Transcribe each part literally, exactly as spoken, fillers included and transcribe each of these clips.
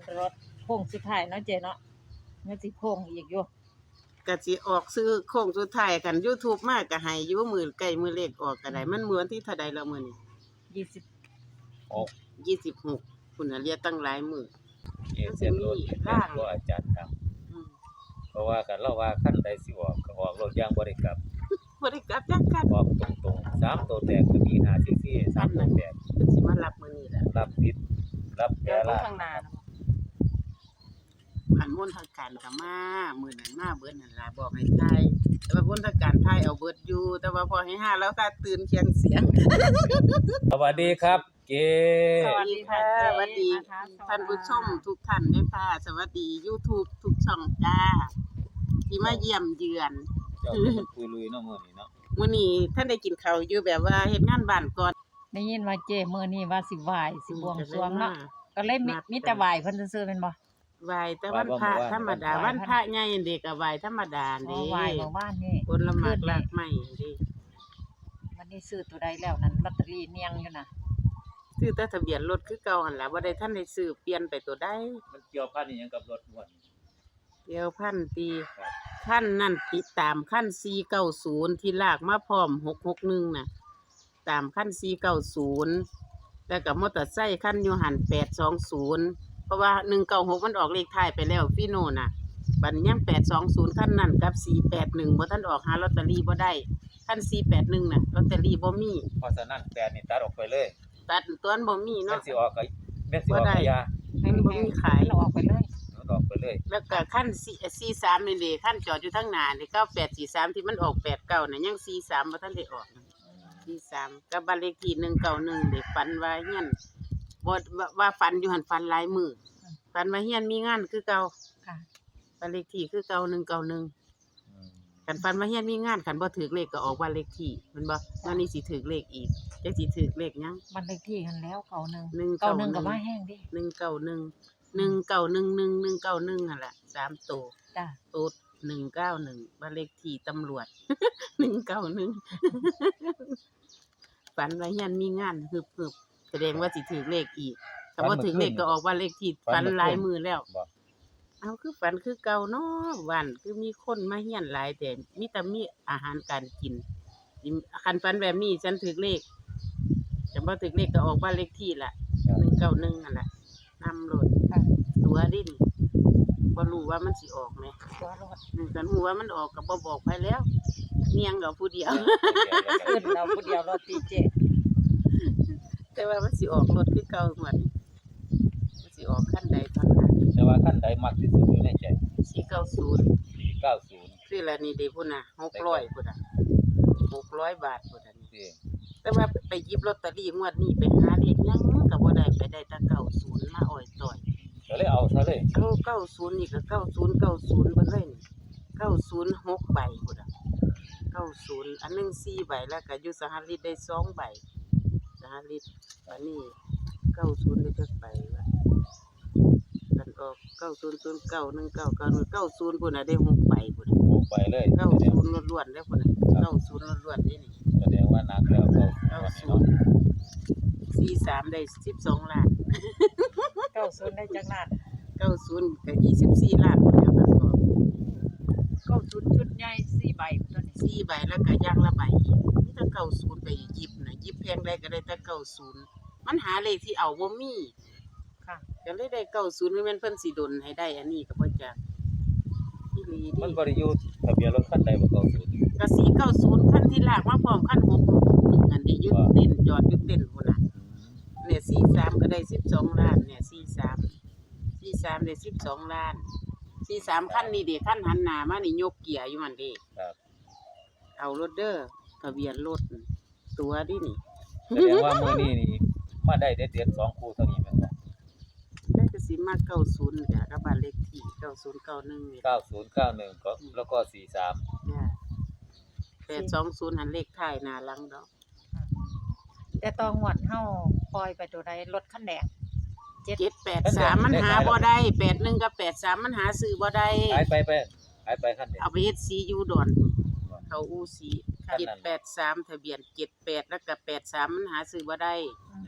รถโค้งสุดท้ายเนาะเจ๊เนาะมันสิโค้งอีกอยู่ก็สิออกซื้อโค้งสุดท้ายกัน YouTube มาก็ให้อยู่มื้อใกล้มื้อเลขออกก็ได้มันมื้อวันที่เท่าใดแล้วมื้อนี้ยี่สิบหกยี่สิบหกพุ่นน่ะเหลือตั้งหลายมื้อเอเซียนรถเป็นแม่นบ่อาจารย์ครับอืมเพราะว่ากันเราว่าคันใดสิออกก็ออกรถอย่างบ่ได้กลับบ่ได้กลับจักคันออกตรงๆสามตัวแตกก็มีห้าซีซีสามตัวแตกเพิ่นสิมารับมื้อนี้แหละรับผิดรับแปรละข้างหน้าเนาะอันมนต์ทางการก็มามื้อนั้นมาเบิดนั่นล่ะบอกให้ทายแต่ว่ามนต์ทางการทายเอาเบิดอยู่แต่ว่าพอให้ห้าแล้วก็ตื่นเคียงเสียงสวัสดีครับเก๋สวัสดีค่ะสวัสดีท่านผู้ชมทุกท่านด้วยค่ะสวัสดี YouTube ทุกช่องจ้าที่มาเยี่ยมเยือนเจ้าเป็นคุยลุยเนาะมื้อนี้เนาะมื้อนี้ท่านได้กินข้าวอยู่แบบว่าเฮ็ดงานบ้านก่อนได้ยินว่าเจ๊มื้อนี้ว่าสิไหว้สิบวงสรวงเนาะก็เลยมีมีแต่ไหว้เพิ่นซื่อๆแม่นบ่ไหว้แต่วันพระธรรมดาวันพระใหญ่เด็กก็ไหว้ธรรมดาอ๋อเด้ไหว้เมื่อวานนี่คนละหมากลากไม้เด้วันนี้ซื้อตัวใดแล้วนั่นลอตเตอรี่เนียงอยู่น่ะซื้อแต่ทะเบียนรถคือเก่าหั่นล่ะบ่ได้ทันได้ซื้อเปลี่ยนไปตัวใดมันเกี่ยวพันอีหยังกับรถม่วนเดี๋ยวพันปีครับขั้นนั่นติดตามขั้นสี่เก้าศูนย์ที่ลากมาพร้อมหกหกหนึ่งน่ะตามขั้นสี่เก้าศูนย์แล้วก็มอเตอร์ไซค์ขั้นอยู่หันแปดสองศูนย์เพราะว่าหนึ่งเก้าหกมันออกเลขท้ายไปแล้วพี่โน่น่ะบัดนยังแปดสองศูนย์ขั้นนั่นกับสี่แปดหนึ่งบ่ทันออกหาลอตเตอรี่บ่ได้ขั้นสี่แปดหนึ่งน่ะลอตเตอรี่บ่มีเพราะฉะนั้นแปดนี่ตัดออกไปเลยตัดตัวนั้นบ่มีแม่เนาะนสิออกก็แม่นสิออกก็อยามันบ่มีขายเราออกไปเลยมันออกไปเลยแล้วก็ขั้นสี่สามนี่เด้ขั้นจอดอยู่ทางหน้านี่เก้าแปดสี่สามที่มันออกแปดเก้าน่ะยังสี่สามบ่ทันได้ออกสี่สามกับบ้านเลขที่หนึ่งเก้าหนึ่งเด็กฝันว่าเฮียนบ่ว่าว่าฝันอยู่หันฝันหลายมื้อฝันว่าเฮียนมีงานคือเก่าค่ะบ้านเลขที่คือเก่าหนึ่งเก้าหนึ่งอืมคันฝันว่าเฮียนมีงานคันบ่ถูกเลขก็ออกบ้านเลขที่แม่นบ่งานนี้สิถูกเลขอีกจักสิถูกเลขหยังบ้านเลขที่กันแล้วเก่าหนึ่งหนึ่งเก่าเก้าหนึ่งหนึ่ก็งว่าแห้งดิหนึ่งเก้าหนึ่ง หนึ่งเก้าหนึ่งหนึ่งหนึ่งเก้าหนึ่งนั่นล่ะสามตัวจ้ะโต๊ดหนึ่งเก้าหนึ่งบ้านเลขที่ตำรวจ หนึ่งเก้าหนึ่ง ฝันว่าเฮียนมีงานฮึบๆแสดงว่าสิถือเลขอีกถ้าบ่ถือเลขก็ออกบ้านเลขที่ฝันหลายมือแล้วบ่เอาคือฝันคือเก่าเนาะวันคือมีคนมาเฮียนหลายแต่มีแต่มีอาหารการกินคันฝันแบบนี้ฉันถือเลขแต่บ่ถือเลขก็ออกบ้านเลขที่ล่ะหนึ่งเก้าหนึ่งนั่นล่ะนำรถค่ะตัวดินบ่รู้ว่ามันสิออกไหมตัวรถอืมกันฮู้ว่ามันออกก็บ่บอกไผแล้วเนียงกับผู้เดียวขึ้นเราผู้เดียวรถตีเจแต่ว่ามันสิออกรถคือเก่าหมดมันสิออกคันใดคันนั้นแต่ว่าคันใดมักที่สุดอยู่ในใจสี่เก้าศูนย์สี่เก้าศูนย์คือละนี่เด้พุ่นน่ะหกร้อยพุ่นน่ะหกร้อยบาทพุ่นน่ะนี่ที่แต่ว่าไปหยิบลอตเตอรี่งวดนี้ไปหาเลขหยังก็บ่ได้ไปได้แต่เก้าศูนย์มาอ้อยต่อยก็เลยเอาซะเลยเอาเก้าศูนย์นี่ก็เก้าศูนย์เก้าศูนย์เบิดเลยนี่เก้าศูนย์หกใบพุ่นน่ะเก้าศูนย์อันหนึงสี่ใบแล้วก็อยู่สหรัฐได้สองใบสหรัฐอันนี้เก้าศูนย์ได้จักใบวะกันออกเก้าศูนย์ศูนย์เก้าหนึ่งเก้าเก้าหนึ่งเก้าศูนย์พุ่นน่ะได้หกใบพุ่นน่ะโอ้ไปเลยเก้าศูนย์ล้วนๆแล้วพุ่นน่ะเก้าศูนย์ล้วนๆนี่นี่แสดงว่านักแล้วเก้าเก้าศูเนาะนย์สี่สามได้สิบสองล้านเก้าศูนย์ได้จังนั้นเก้าศูนย์ก็ยี่สิบสี่ล้านพุ่นแล้วกันออกเก้าศูนย์ชุดใหญ่สี่ใบตัวนี้สี่ใบแล้วก็ย่างละใบอีกมีแต่เก้าศูนย์ไปหยิบน่ะหยิบแพงได้ก็ได้แต่เก้าศูนย์มันหาเลขที่เอาบ่มีค่ะก็เลยได้เก้าศูนย์คือแม่นเพิ่นสิดลให้ได้อันนี้ก็บ่จักอีหลีมันดิบ่ได้อยู่ทะเบียนรถคันใดบ่เก้าศูนย์ก็สี่เก้าศูนย์คันที่ลากมาพร้อมคันหกหกหนึ่งอันนี้ยึดเต้นจอดยึดเต้นพุ่นน่ะเนี่ยสี่สามก็ได้สิบสองล้านเนี่ยสี่สาม สี่สามได้สิบสองล้านสี่สามคันนี่เด้คันหันหน้ามานี่ยกเกียร์อยู่หั่นเด้ครับเอารถเด้อทะเบียนรถตัวดินี่แสดงว่ามื้อนี้นี่มาได้เด็ดๆสองคู่เท่านี้แม่นบ่ได้ก็สิมาเก้าศูนย์จ้ะกับบ้านเลขที่เก้าศูนย์เก้าหนึ่งนี่เก้าศูนย์เก้าหนึ่งก็แล้วก็สี่สามจ้ะแปดสองศูนย์หันเลขท้ายหน้าหลังดอกแต่ตองหวดเฮาปล่อยไปตัวใดรถคันแดงเจ็ดแปดสามมันหาบ่ได้แปดหนึ่งกับแปดสามมันหาซื้อบ่ได้หายไปไปหายไปคันเดียวเอาไปเฮ็ดซียูดอนเขาอูซีเจ็ดแปดสามทะเบียนเจ็ดแปดแล้วก็แปดสามมันหาซื้อบ่ได้อืม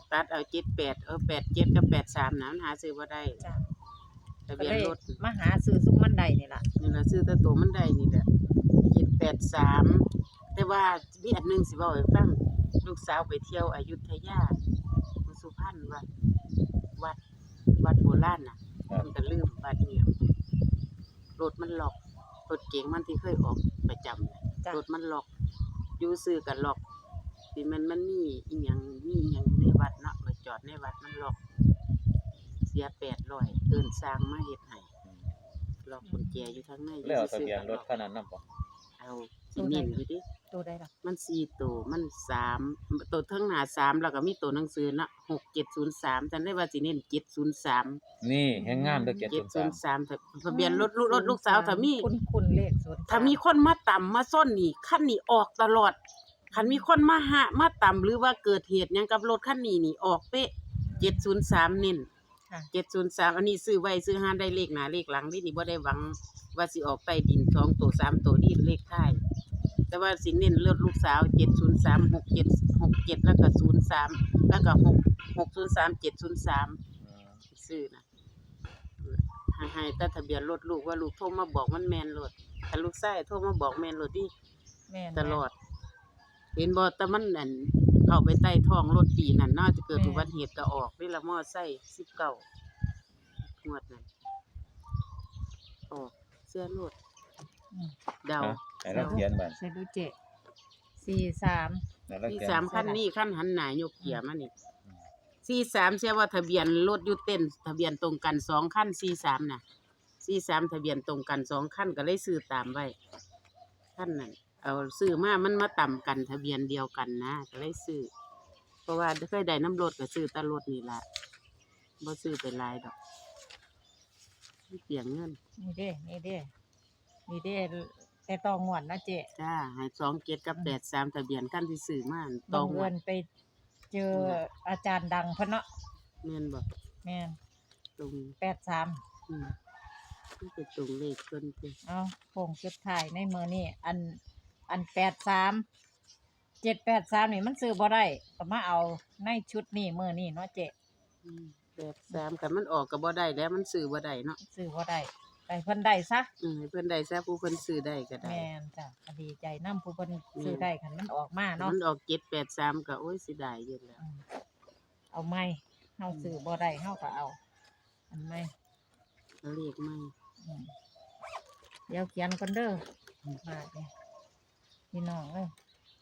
ตัดเอาเจ็ดแปดเออแปดเจ็ดกับแปดสามนะมันหาซื้อบ่ได้จ้ะทะก็เบียนเลยรถมาหาซื้อซุมมันใดนี่ล่ะนี่ล่ะซื้อแต่ตัวมันได้นี่แหละเจ็ดแปดสามแต่ว่ามีอันหนึงสิเว้าให้ฟังลูกสาวไปเที่ยวอยุธยาสุพรรณวัดวัดวัดโบราณน่ะครับมันก็ลืมวัดเหี่ยวรถมันล็อกรถเก๋งมันที่เคยออกประจำน่ะจ้ะรถมันล็อกอยู่ซื้อก็ล็อกที่มันมันมีอีหยังมีอีหยังอยู่ในวัดเนาะไปจอดในวัดมันล็อก เสียแปดร้อยเอิ้นสร้างมาเฮ็ดให้ล็อกกุญแจอยู่ทางในแล้วเอาทะซื้อเบียนๆรก็ถล็อกคันนั้นนำบ่เอาสิเน้นอยู่ดิตัวใดล่ะมันสี่ตัวมันสามตัวเทิงหน้าสามแล้วก็มีตัวหนังสือเนาะหกเจ็ดศูนย์สามจำได้ว่าสิเน้นเจ็ดศูนย์สามนี่แฮงงามเด้อเจ็ดเจ็ดศูศูนนย์ย์สามทะเบียนรถรถรถลูกสาวถ้ามีคุณคุณเลขศูนย์ถ้ามีคนมาต่ำมาส้นนี่คันนี้ออกตลอดคันมีคนมาหามาต่ำหรือว่าเกิดเหตุหยังกับรถคันนี้นี่ออกเป๊ะเจ็ดศูนย์สามเน้นค่ะเจ็ดศูนย์สามอันนี้ซื้อไว้ซื้อหาได้เลขหน้าเลขหลังนี่นี่บ่ได้หวังว่าสิออกใต้ดินสองตัวสามตัวนี่เลขท้ายแต่ว่าสิเน้นเลือดลูกสาวเจ็ดศูนย์สาม หกเจ็ด หกเจ็ดแล้วก็ศูนย์สามแล้วก็หก หกศูนย์สาม เจ็ดศูนย์สามซื้อนะให้ให้แต่ทะเบียนรถลูกว่าลูกโทรมาบอกมันแม่นรถถ้าลูกชายโทรมาบอกแม่นรถดิแม่นตลอด เห็นบ่แต่มันอันเข้าไปใต้ท้องรถปีนั่นน่าจะเกิดอุบัติเหตุก็ออกนี่ละมอไซค์สิบเก้างวดนั้นออกเสื้อรถอืมเดาฮะให้เราเขียนบัดใส่ดูเจสี่สามให้เราที่เขียนสามคันนี้คันหันหน้ายกเกียร์มานี่สี่สามเชื่อว่าทะเบียนรถอยู่เต้นทะเบียนตรงกันสองคันสี่สามน่ะสี่สามทะเบียนตรงกันสองคันก็เลยซื้อตามไว้คันนั้นเอาซื้อมามันมาต่ำกันทะเบียนเดียวกันนะก็เลยซื้อเพราะว่าเคยได้น้ำรถก็ซื้อแตารถนี่ล่ะบ่ซื้อเป็นหลายดอกมันเปลียงเงินนี่เด้นี่เด้นี่เด้แต่ต้องงวดนะเจจ้าให้สองเจ็ดกับแปดสามทะเบียนคันที่ซื้อมาตบัอง งเอิวัญดไปเจออาจารย์ดังเพิ่นเนาะแม่นบ่แม่นตรงแปดสามอืมมันเป็นตรงเลขเพิ่นเด้เอาโป่งจุดถ่ายในมือนี่อันอันแปดสามเจ็ดแปดสามนี่มันซื้อบ่ได้ก็มาเอาในชุดนี้มือนี่เนาะเจอืมแปดสามคันมันออกก็บ่ได้แล้วมันซื้อบ่ได้เนาะซื้อบ่ได้ไปเพิ่นได้ซะอืมให้เพิ่นได้ซะผู้เพิ่นซื้อได้ก็ได้แม่นจ้ะก็ดีใจนำผู้เพิ่นซื้อได้คันมันออกมาเนาะมันออกเจ็ดแปดสามก็โอ้ยเสิได้อยู่แล้วอืมเอาไม่เฮาซื้อบ่ได้เฮาก็เอา อันไม่เลขไม่อืมเดี๋ยวเขียนก่อนเด้อมาเด้พี่น้องเอ้ย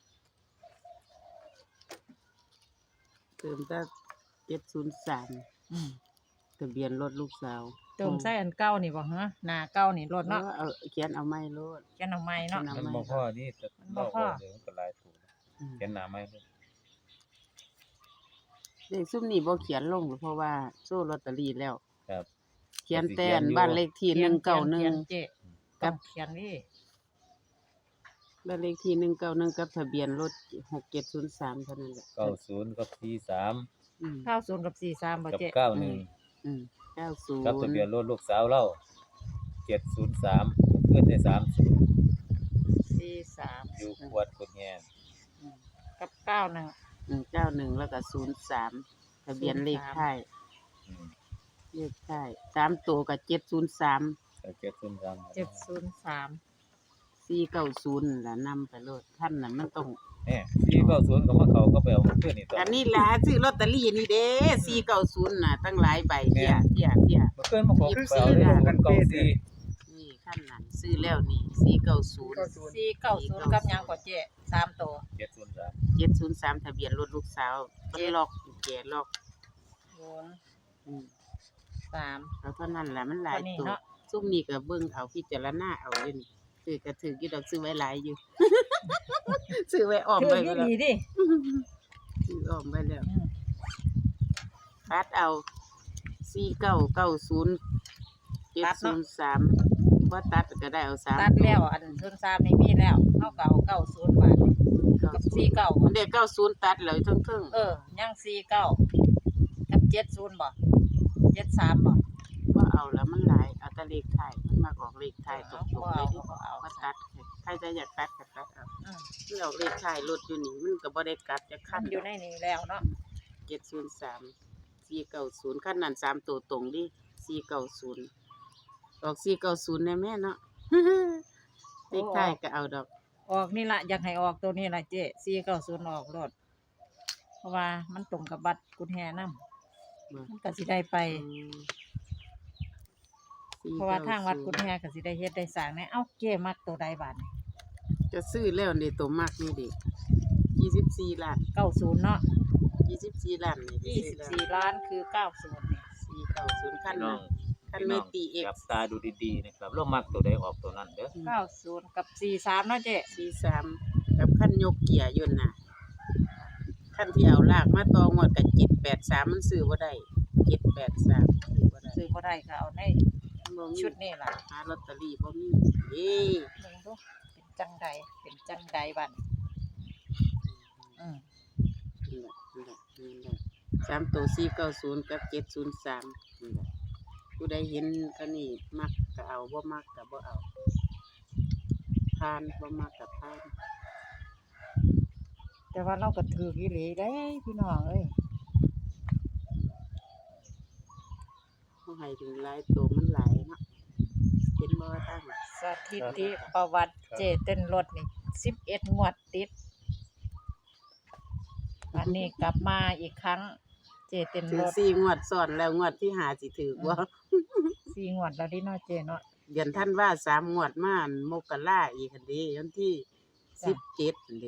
เติมแต่เจ็ดศูนย์สามอืมทะเบียนรถลูกสาวเติมใส่อันเก่านี่บ่ฮะหน้าเก่านี่รถเนาะเนาะเอาเขียนเอาไม้รถเขียนเอาใหม่เนาะเขียมันบ่พอนี่แต่มันบ่เราพอเดี๋ยวมันก็หลายตัวอืมเขียนหน้าไม้เลยเลขซุมนี้บ่เขียนลงเพราะว่าโซ่ลอตเตอรี่แล้วครับเขียนแต่อันบ้านเลขที่หนึ่งเก้าหนึ่งขียเจ๊ต้องเขียนนี่บ้านเลขที่หนึ่งเก้าหนึ่งกับทะเบียนรถหกเจ็ดศูนย์สามเท่านั้นแหละเก้าศูนย์กับสี่สามอืมเก้าศูนย์กับสี่สามบ่กับเจ๊เก้าหนึ่งอืมเก้าศูนย์กับทะเบียนรถลูกสาวเราเจ็ดศูนย์สามเพื่อนได้สามศูนย์สี่สามอยู่ขวดกุดแงนกับเก้าหนึ่งอืมเก้าหนึ่งแล้วก็ศูนย์สามทะเบียนเลขท้ายอืมเลขท้ายสามตัวกับเจ็ดศูนย์สามเจ็ดศูนย์สามเจ็ดศูนย์สามสี่เก้าศูนย์ล่ะนำไปโลดท่านน่ะมันต้องเนี่ยสี่เก้าศูนย์ก็มาเขาก็ไปเอาเพื่อนนี่ต่ออันนี้ล่ะซื้อลอตเตอรี่นี่เด้สี่เก้าศูนย์น่ะตั้งหลายใบเที่ยเที่ยเที่ยเมื่อคืนมาขอไปเอาได้กันเก้าสี่นี่ขั้นนั้นซื้อแล้วนี่สี่เก้าศูนย์สี่เก้าศูนย์กับหยังก็เจ๊สามตัวเจ็ดศูนย์สามเจ็ดศูนย์สามทะเบียนรถลูกสาวมันล็อกกุญแจล็อกศูนย์อืมสามแล้วเท่านั้นแหละมันหลายเท่านี้ตัวเนาะซุ่มนี้ก็เบิ่งเอาพิจารณาเอาอยู่นี่ซื้อก็ถือกี่ดอกซื้อไว้หลายอยู่ ซื้อไว้ออมถือไว้อยู่แล้วดีดิซื้อออมไว้แล้วอืมตัดเอาสี่เก้าเก้าศูนย์เจ็ดศูนย์สามว่าตัดก็ได้เอาสามตัดแล้วอันศูนย์สามนี่มีแล้วเฮาก็เอาเก้าศูนย์บาทกับสี่เก้ามันเด็กเก้าศูนย์ตัดเลยทั้งทึ่งเออยังสี่เก้ากับเจ็ดศูนย์บ่เจ็ดสามบ่ว่าเอาแล้วมันหลายเอาแต่เลขไทายมันมาออกเลขไทายตรงๆเลยที่บ่เอาว่าตัดใครจะอยากตัดก็ตัดเอาอืมที่ออกเลขไทายรถอยู่นี่มันก็บ่ได้กลับจะคัขั้นนอยู่ในนี้แล้วเนาะเจ็ดศูนย์สามสี่เก้าศูนย์ขั้นนั้นสามตัวตรงดิสี่เก้าศูนย์ออกสี่เก้าศูนย์แน่แม่เนาะ เลขท้ายก็เอาดอกออกนี่ล่ะอยากให้ออกตัวนี้ล่ะเจ๊สี่เก้าศูนย์ออกรถเพราะว่ามันตรงกับบัตรกุญแจนำมันก็สิได้ไป เพราะว่าทางวัดกุญแจก็สิได้เฮ็ดได้สร้างแน่เอ้าเจ๊มักตัวใดบาดนี้จะซื้อแล้วนี่ตัวมากนี่ดิยี่สิบสี่ล้านเก้าศูนย์เนาะยี่สิบสี่ล้านนี่ยี่สิบสี่ล้านคือเก้าศูนย์นี่สี่เก้าศูนย์ขั้นพี่น้อนะงขั้นพี่ไม่น้องตีเอกจับตาดูดีๆนะครับเรามักตัวใดออกตัวนั้นเด้อเก้าศูนย์กับสี่สามเนาะเจ๊สี่สามกับขั้นยกเกียร์ยนต์น่ะขั้นที่เอาลากมาตองวดกับเจ็ดแปดสามมันซื้อบ่ได้เจ็ดแปดสามซื้อบ่ได้ซื้อบ่ได้ก็เอาในบ่มีชุดนี้ล่ะหาลอตเตอรี่บ่มีเอ้เบิ่งดูเป็นจังใดเป็นจังใดบัดนี้อืมนี่แหละนี่แหละนี่แหละสามตัวสี่เก้าศูนย์กับเจ็ดศูนย์สามนี่แหละผู้ใดเห็นก็นี่มักก็เอาบ่มักก็บ่เอาทานบ่มักก็ทานแต่ว่าเราก็ถืออีหลีได้พี่น้องเอ้ยเขาให้ถึงหลายตัวมันหลายเนาะเห็นบ่ตั้งสถิติประวัติเจเต้นรถนี่สิบเอ็ดงวดติดอันนี้กลับมาอีกครั้ง เจเต้นถึรง ถสี่งวดซ้อนแล้วงวดที่หาสิถือบ่สี่งวดแล้วดิเนาะเจเนาะเดือนท่านว่าสามงวดมาอันมกราอีกคันเดีวันที่จ้ะสิบเจ็ดคันเดี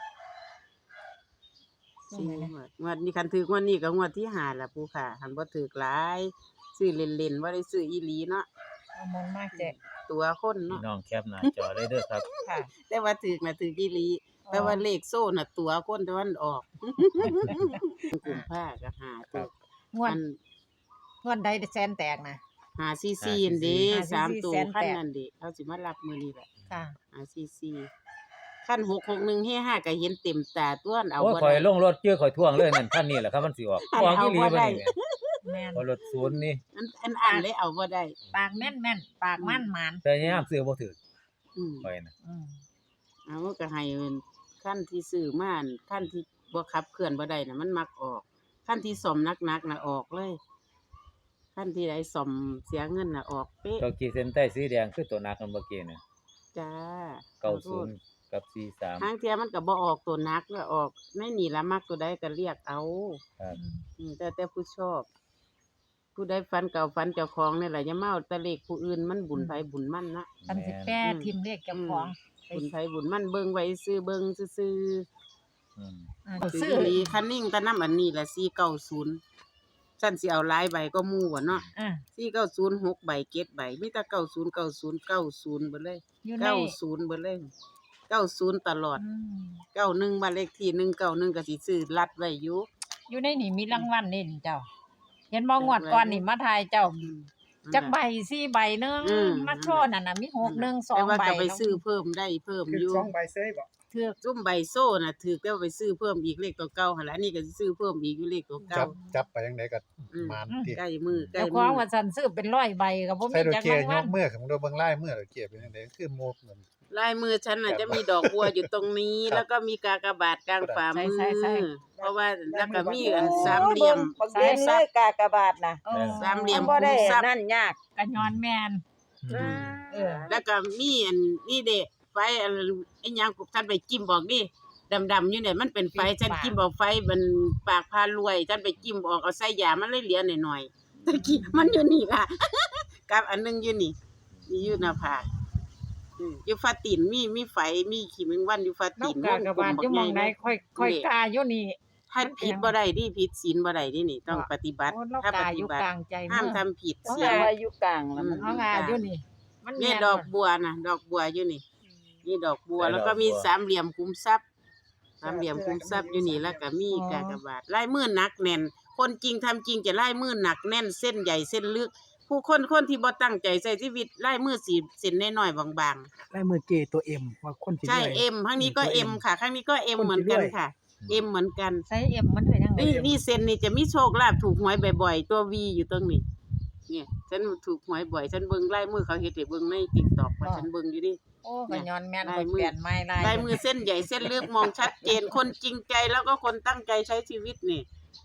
ช่วงสี่ไหนนะงวดงวดนี้คันถืองวดนี้ก็งวดที่หาละผู้ค่ะหันบ่ถือหลายซื้อเล่นๆบ่ได้ซื้ออีหลีเนาะเอามนต์มากเจตัวคนพี่เนาะน้องแคปหน้าจอเลยเด้อครับค่ะแต่ว่าถือน่ะถืออีหลีแต่ว่าเลขโซ่น่ะตัวคนแต่ว่ามันออกกลุ่มผ้าก็หาตัวงวดอันงวดใดแสนแตกนะหาซีซีอันเด้หาซีซีสามตัวแสนแปดขั้นนั่นเด้เขาสิมารับมื้อนี้แหละค่ะหาซีซีขั้นหกหกหนึ่งเฮห้าก็เห็นเต็มตาตัวอันเอาโอ้ยบ่ข่อยได้ลงรถเจอข่อยท่วงเลยนั่นคันนี้แหละครับมันสิออกอันออกเอาอีหลีบ่บ่ได้นี่แม่แม่นพอรถศูนย์นี่อันอันอ่านเลยเอาบ่ได้ปากแม่นแม่นปากมั่นหมานแต่ยามซื้อบ่ถูกอืมข่อยน่ะอืมเอาก็ให้เป็นขั้นที่ซื้อมาอันขั้นที่บ่ขับเคลื่อนบ่ได้น่ะมันมักออกขั้นที่ซ่อมหนักๆน่ะออกเลยขั้นที่ใดซ่อมเสียเงินน่ะออกเป๊ะเก้าขีดเส้นใต้สีแดงคือตัวหนักกันเมื่อกี้น่ะจ้าเก้าศูนย์กับสี่สามทางเที่ยมันก็บ่ออกตัวหนักแล้วออกในนี่ละมักตัวใดก็เรียกเอาครับอืมอืมแต่แต่ผู้ชอบ ผู้ใดฟันเก่าฟันเจ้าของนี่แหละอย่ามาเอาแตะเลขผู้อื่นมันบุญไผบุญมันนะอันสิแป้ทิมเลขเจ้าของไปบุญไผบุญมันเบิ่งไว้ซื้อเบิ่งซื่ออืมอ่าๆซื้ซื้อออีคันนิ่งตะนำอันนี้ละสี่เก้าศูนย์ฉันสิเอาหลายใบก็หมู่บ่เนาะอ่าสี่เก้าศูนย์หกใบเจ็ดใบมีแต่เก้าศูนย์ เก้าศูนย์ เก้าศูนย์เบิดเลยอยู่ในเก้าศูนย์เบิดเลยเก้าศูนย์ตลอดอืมเก้าหนึ่งบ้านเลขที่หนึ่งเก้าหนึ่งก็สิซื้อรัดไว้อยู่อยู่ในนี่มีรางวัลนี่นี่เจ้า เห็นบ่งวดก่อนนี่มาทายเจ้าอืมจักใบสี่ใบหนึงอืมมาโชว์นั่นน่ะมีหกหนึ่งสอแต่งว่าใบก็ไปซื้อเพิ่มได้เพิ่มคืออยู่สองใบเซ้ยบ่ถือซุ่มใบโซ่น่ะถือแล้วไปซื้อเพิ่มอีกเลขตัวเก่าหั่นล่ะอันนี้ก็สิซื้อเพิ่มอีกอยู่เลขตัวเก่าจับจับไปยังไดก็อืมมานติใกล้มือใกล้เจ้าขมืองอว่าซั่นซื้อเป็นร้อยใบก็บ่ใส่มีโดจักเกราย งยวัลกมือของโดเบิ่งลายมือโดเกยเป็นจังไดคือโมกเหมือนลายมือฉันน่ะจะมีดอกบัวอยู่ตรงนี้ครับแล้วก็มีกากบาทกลางฝ่ามือใช่ใช่เพราะว่าแล้วก็มีอันสามเหลี่ยมบักเด่นเลยกากบาทน่ะเออสามเหลี่ยมนบ่ได้คูณทรัพย์นั่นยากก็ย้อนแม่น เออแล้วก็มีอันนี่เด้ไฟอันไอ้หยังฉันไปจิ้มบอกดิดำๆอยู่เนี่ยมันเป็นไฟฉันจิ้มบอกไฟมันปากพารวยฉันไปจิ้มออกเอาใส่ยามันเลยเหลือหน่อยๆตะกี้มันอยู่นี่ค่ะ กับอันหนึงอยู่นี่นี่อยู่หน้าผากอืมอยู่ฟ้าตีนมีมีไฟมีขี้แมงวันอยู่ฟ้านตีกนกากบาทอยู่หมองใดค่อยค่อยกาอยู่นี่ถ้าผิดบ่ได้ดิผิดศีลบ่ได้ดินี่ต้องว่าปฏิบัติโอ้เราถ้าปกาอฏิยู่บัติกลางใจห้ามเมืองทำผิดเพราะศีลว่าอยู่กลางแล้วมันเอางาอยู่นี่ มันนี่แม่นดอกบ่บัวน่ะดอกบัวอยู่นี่นี่ดอกบัวได้แล้วก็ดอกบัวมีสามเหลี่ยมคุ้มทรัพย์สามเหลี่ยมคุ้มทรัพย์อยู่นี่แล้วก็มีกากบาทลายมือหนักแน่น คนจริงทำจริงจะลายมือหนักแน่นเส้นใหญ่เส้นลึก ผู้คนคนที่บ่ตั้งใจใช้ชีวิตลายมือสีเส้นน้อยๆบางลายมือเจตัว M ว่าคนสิๆ ใช่เอ็มข้างนี้ก็เอ็มค่ะข้างนี้ก็เอ็มเหมือนกันค่ะเอ็มเหมือนกันใส่เอ็มมันเป็นจังได๋นี่นี่เซนนี่จะมีโชคลาภถูกหวยบ่อยๆ ตัววีอยู่ตรงนี้ เนี่ยฉันถูกหวยบ่อย ฉันเบิ่งลายมือเขาเฮ็ดให้เบิ่งใน TikTok ว่าฉันเบิ่งอยู่ดิโอ้ก็ย้อนแม่นลาก็ยมือเปลี่ยนไม้ลายลายมือเส้นใหญ่เส้นลึกมองชัดเจน คนจริงใจแล้วก็คนตั้งใจใช้ชีวิตนี่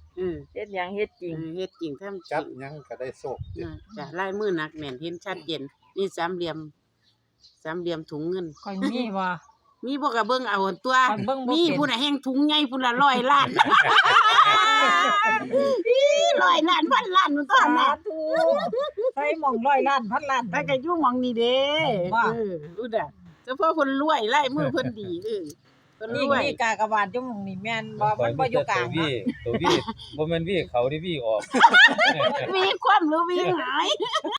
เออเฮ็ดหยังเฮ็ดจริงเออเฮ็ดจริงทำจจัริบงหยังก็ได้โชคอ่าจ้ะลายมือหนักแน่นเห็นชัดเจนนี่สามเหลี่ยมสามเหลี่ยมถุงเงินค่อยมีบ่มีบ่ก็เบิ่งเอาหั่นตัวข้อยเบิ่งบ่มีเป็นผู้น่ะแห่งถุงใหญ่พุ่นละร้อยล้าน อีร้อยล้านพันล้านมันตอนน่ะธุใส่หม่องร้อยล้านพันล้านแต่ก็อยู่หม่องนี้เด้ว่าเอออุดอ่ะเฉพาะเพิ่นรวยลายมือเพิ่นดีเออเพิ่นนี่รวยนี่กากบาทอยู่หม่องนี่แม่นบ่มันบ่อยู่กลางตัววีเนาะตัววีบ่แม่นวีเขาที่วีออกมีความหรือมีหาย